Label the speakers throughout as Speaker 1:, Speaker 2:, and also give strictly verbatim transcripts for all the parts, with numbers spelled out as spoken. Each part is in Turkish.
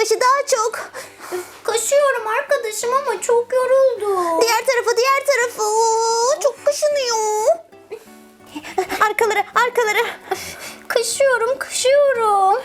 Speaker 1: başı daha çok.
Speaker 2: Kaşıyorum arkadaşım ama çok yoruldu.
Speaker 1: Diğer tarafı, diğer tarafı. Oo, çok kaşınıyor. Arkaları, arkaları.
Speaker 2: Kaşıyorum, kaşıyorum.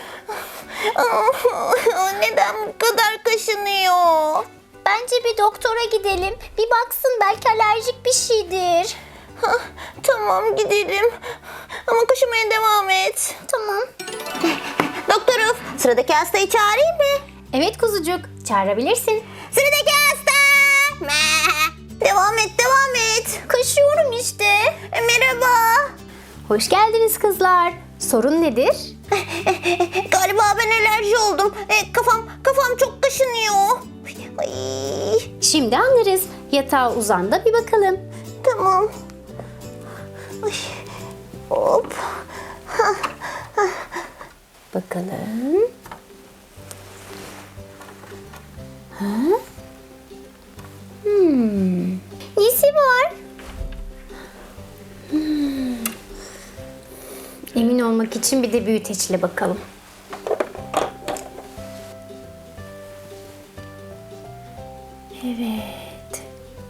Speaker 1: Neden bu kadar kaşınıyor?
Speaker 2: Bence bir doktora gidelim. Bir baksın, belki alerjik bir şeydir.
Speaker 1: Hah, tamam gidelim. Ama kaşımaya devam et.
Speaker 2: Tamam.
Speaker 1: Doktorum, sıradaki hastayı çağırayım mı?
Speaker 2: Evet kuzucuk, çağırabilirsin.
Speaker 1: Sıradaki hasta. Meh. Devam et, devam et.
Speaker 2: Kaşıyorum işte.
Speaker 1: E, merhaba.
Speaker 2: Hoş geldiniz kızlar. Sorun nedir?
Speaker 1: Galiba ben alerji oldum. E, kafam, kafam çok kaşınıyor. Ay,
Speaker 2: Şimdi anlarız. Yatağa uzan da bir bakalım.
Speaker 1: tamam. Ay, hop.
Speaker 2: Bakalım. Ha? Hmm. Nesi var? Hmm. Emin olmak için bir de büyüteçle bakalım. Evet.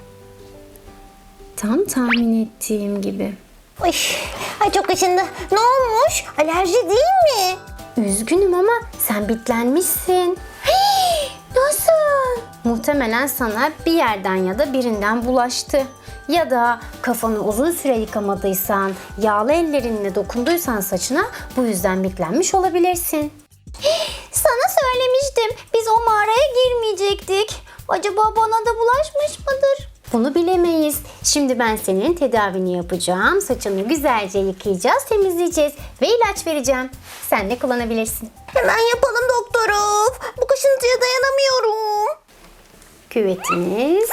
Speaker 2: Tam tahmin ettiğim gibi.
Speaker 1: Ay, ay çok kaşındı. Ne olmuş? Alerji değil mi?
Speaker 2: Üzgünüm ama sen bitlenmişsin. Hii, nasıl? Muhtemelen sana bir yerden ya da birinden bulaştı. Ya da kafanı uzun süre yıkamadıysan, yağlı ellerinle dokunduysan saçına, bu yüzden bitlenmiş olabilirsin. Hii, sana söylemiştim. Biz o mağaraya girmeyecektik. Acaba bana da bulaşmış mıdır? Bunu bilemeyiz. Şimdi ben senin tedavini yapacağım. Saçını güzelce yıkayacağız, temizleyeceğiz ve ilaç vereceğim. Sen de kullanabilirsin.
Speaker 1: Hemen yapalım doktorum. Bu kaşıntıya dayanamıyorum.
Speaker 2: Küvetimiz,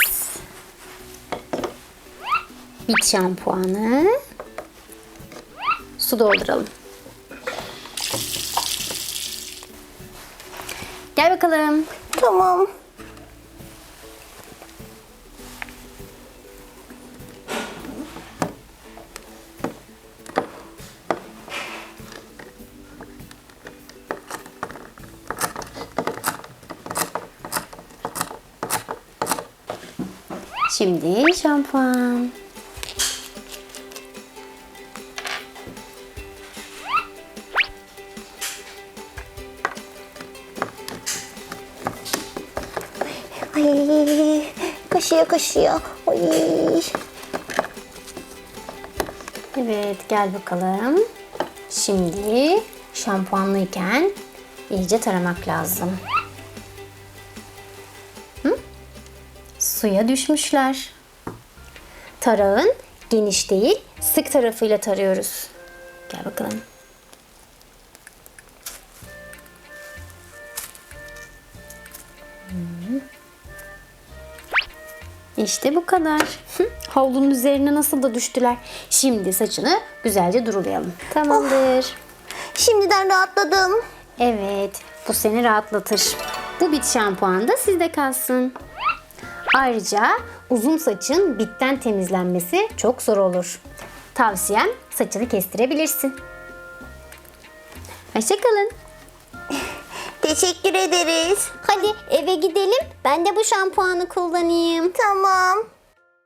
Speaker 2: bit şampuanı, su dolduralım. Gel bakalım.
Speaker 1: Tamam.
Speaker 2: Şimdi şampuan.
Speaker 1: Ay, kaşıyor kaşıyor. Ay.
Speaker 2: Evet, gel bakalım. Şimdi şampuanlıyken iyice taramak lazım. Hı? Suya düşmüşler. Tarağın geniş değil, sık tarafıyla tarıyoruz. Gel bakalım. İşte bu kadar. Havlunun üzerine nasıl da düştüler. Şimdi saçını güzelce durulayalım. Tamamdır.
Speaker 1: Şimdiden rahatladım.
Speaker 2: Evet, bu seni rahatlatır. Bu bit şampuan da sizde kalsın. Ayrıca uzun saçın bitten temizlenmesi çok zor olur. Tavsiyem, saçını kestirebilirsin. Hoşçakalın.
Speaker 1: Teşekkür ederiz.
Speaker 2: Hadi eve gidelim. Ben de bu şampuanı kullanayım.
Speaker 1: Tamam.